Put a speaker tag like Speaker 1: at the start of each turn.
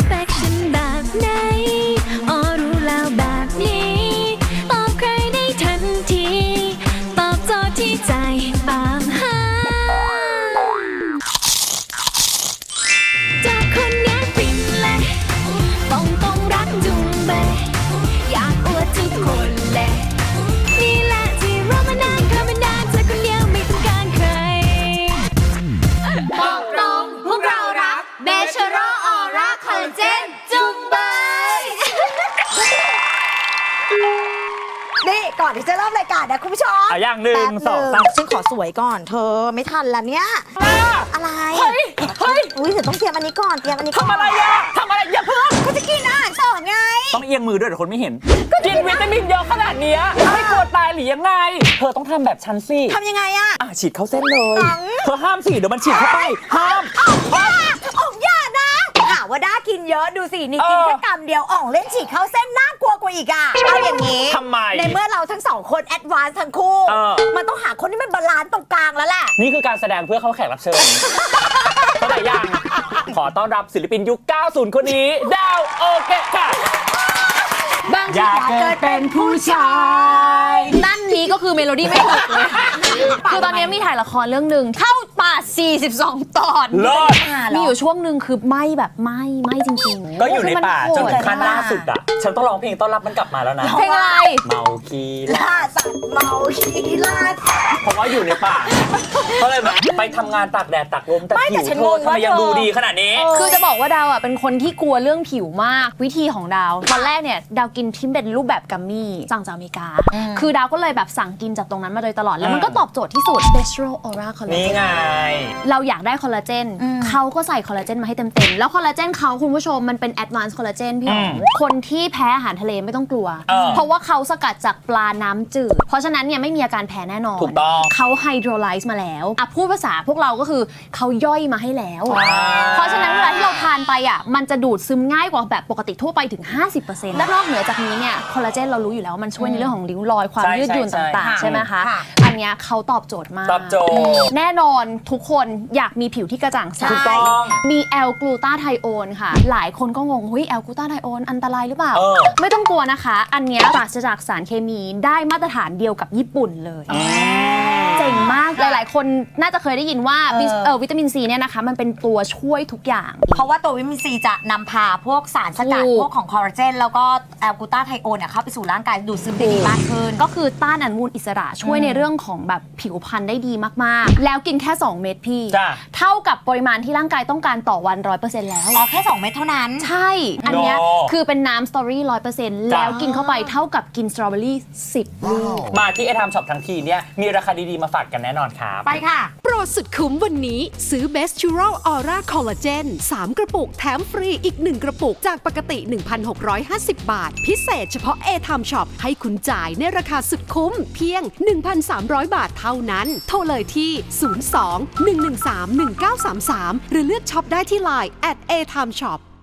Speaker 1: สเปคฉันแบบไหนอ๋อรู้แล้วแบบนี้ตอบใครได้ทันทีตอบโจทย์ที่ใจตามหาจากคนเนี้ยฟินเลยต้องรักจุงเบยอยากอวดทุกคนเลยนี่แหละที่รอมานานเธอมานานเธอคนเดียวไม่ต้องการใครบอกตรงพวกเรารักเบเชอรออร่าคอลลาเจนจุงเบย
Speaker 2: นี่ก่อนที่จะเริ่มรายการนะคุณผู้ชม
Speaker 3: อย่างหนึ่ง
Speaker 2: แป๊บ
Speaker 3: สองสาม
Speaker 2: ฉันขอสวยก่อนเธอไม่ทันแล้วเนี่ยอะไร
Speaker 3: เฮ้ย
Speaker 2: อุ้ยเดี๋ยวต้องเตรียมอันนี้ก่อนเตรียมอันนี้ก่อน
Speaker 3: ทำอะไรอะทำอะไรอย่าเพิ่ง
Speaker 2: ก็จะกินอาหารต่อไง
Speaker 3: ต้องเอียงมือด้วยเดี๋ยวคนไม่เห็น กินวิตามินเยอะขนาดเนี้ยไม่กลัวตายหรือยังไง เธอต้องทำแบบฉันสิ
Speaker 2: ทำยังไงอะ
Speaker 3: ฉีดเข้าเส้นเลย เธอห้ามสิเดี๋ยวมันฉีดเข้าไป ห้าม
Speaker 2: อ่องอย่านะหาว่าด้ากินเยอะดูสินี่กินแค่กำเดียวอ่องเล่นฉีกเข้าเส้นน่ากลัวกว่าอีกอะเอาอย่างนี้
Speaker 3: ทำไม
Speaker 2: ในเมื่อเราทั้งสองคนแอดวานซ์ทั้งคู่ มันต้องหาคนที่มันบาลานซ์ตรงกลางแล้วแหละ
Speaker 3: นี่คือการแสดงเพื่อเข้าแขกรับเชิญเข้าใจยังขอต้อนรับศิลปินยุค 90 คนนี้ ดาวโอเคค่ะ
Speaker 1: บางทีอยากเกิดเป็นผู้ชายนั่นนี้ก็คือเมโลดี้ไม่ถูกเลยคือตอนนี้มีถ่ายละครเรื่องหนึ่งเข้าป่า42 ตอน
Speaker 3: เลิศ
Speaker 1: มีอยู่ช่วงหนึ่งคือไหม้แบบไหม้จริงๆ
Speaker 3: ก็อยู่ในป่าจนถึงขั้น
Speaker 1: โหด
Speaker 3: ล่าสุดอ่ะ ฉันต้องร้องเพลงต้อนรับมันกลับมาแล้วนะ
Speaker 1: เพลงอะไร
Speaker 3: เมาคีลา
Speaker 2: ล่าสัตว์เมาขี้ล่า
Speaker 3: เพราะว่าอยู่ในป่าก็เลยแบบไปทำงานตากแดดตากลมแต่
Speaker 2: ไม่แต่
Speaker 3: ผิว
Speaker 2: ฉัน
Speaker 3: เธ
Speaker 2: ง
Speaker 3: อง ทำไม
Speaker 2: ว่า
Speaker 3: ยัง
Speaker 2: เธอ
Speaker 3: ดูดีขนาดนี้
Speaker 1: คือจะบอกว่าดาวอ่ะเป็นคนที่กลัวเรื่องผิวมากวิธีของดาวตอนแรกเนี่ยดาวกินที่เป็นรูปแบบกัมมี่สั่งจากอเมริกา คือดาวก็เลยแบบสั่งกินจากตรงนั้นมาโดยตลอดแล้วมันก็ตอบโจทย์ที่สุด Natural Aura คอลลา
Speaker 3: นี่
Speaker 1: เจน
Speaker 3: ไง
Speaker 1: เราอยากได้คอลลาเจนเขาก็ใส่คอลลาเจนมาให้เต็มๆแล้วคอลลาเจนเขาคุณผู้ชมมันเป็น Advanced Collagen พี่อ๋อคนที่แพ้อาหารทะเลไม่ต้องกลัว เพราะว่าเขาสกัดจากปลาน้ำจืดเพราะฉะนั้นเนี่ยไม่มีอาการแพ้แน่นอน
Speaker 3: ถูกต้อง
Speaker 1: เขาไฮโดรไลซ์มาแล้วอ่ะพูดภาษาพวกเราก็คือเขาย่อยมาให้แล้ว เพราะฉะนั้นเวลาที่เราทานไปอ่ะมันจะดูดซึมง่ายกว่าแบบปกติทั่วไปถึง 50%และนอกเหนือจากนี้เนี่ยคอลลาเจนเรารู้อยู่แล้วมันช่วยในเรื่องของริ้วรอยความ
Speaker 3: ใช่
Speaker 1: ยืดหยุ่น
Speaker 3: ใช่
Speaker 1: ต่างๆ ใช่ไหมคะ
Speaker 2: ค่ะ
Speaker 1: อันเนี้ยเขาตอบโจทย์มาก
Speaker 3: ตอบโจทย์
Speaker 1: แน่นอนทุกคนอยากมีผิวที่กระจ่างใส
Speaker 3: ถูกต้อง
Speaker 1: มีแอลกลูตาไทโอนค่ะ หลายคนก็งงเฮ้ยแอลกลูตาไทโอนอันตรายหรือเปล่า ไม่ต้องกลัวนะคะ อันเนี้ยปราศจากสารเคมีได้มาตรฐานเดียวกับญี่ปุ่นเลยเจ๋งมากหลายๆ คนน่าจะเคยได้ยินว่าวิตามินซีเนี่ยนะคะมันเป็นตัวช่วยทุกอย่าง
Speaker 2: เพราะว่าตัววิตามินซีจะนำพาพวกสารสกัด
Speaker 1: ถูก
Speaker 2: พวกของคอลลาเจนแล้วก็แอลกลูตาไทโอนเนี่ยเข้าไปสู่ร่างกายดูดซึมได้ดีมากขึ้น
Speaker 1: ก็คือต้านอนุมูลอิสระช่วยในเรื่องของแบบผิวพรรณได้ดีมากๆ แล้วกินแค่ 2 เม็ดพี่
Speaker 3: จ้ะ
Speaker 1: เท่ากับปริมาณที่ร่างกายต้องการต่อวัน 100% แล้ว
Speaker 2: อ๋อแค่ 2 เม็ดเท่านั้น
Speaker 1: ใช่ อันเนี้ย
Speaker 3: โน่
Speaker 1: คือเป็นน้ำสตรอเบอรี่ 100% แล้วกินเข้าไปเท่ากับกินสตรอเบอรี่10 ลูก
Speaker 3: มาที่ไอทามช็อปทั้งทีเนี่ยมีราคาดีๆมาฝากกันแน่นอนครับ
Speaker 2: ไปค่ะ
Speaker 4: โปรดสุดคุ้มวันนี้ซื้อ Best Natural Aura Collagen 3 กระปุกแถมฟรีอีก 1 กระปุกจากปกติ 1,650 บาท พิเศษเฉพาะ A-Time Shop ให้คุณจ่ายในราคาสุดคุ้มเพียง 1,300 บาทเท่านั้น โทรเลยที่ 02 113 1933 หรือเลือกช็อปได้ที่ Line @A-Time Shop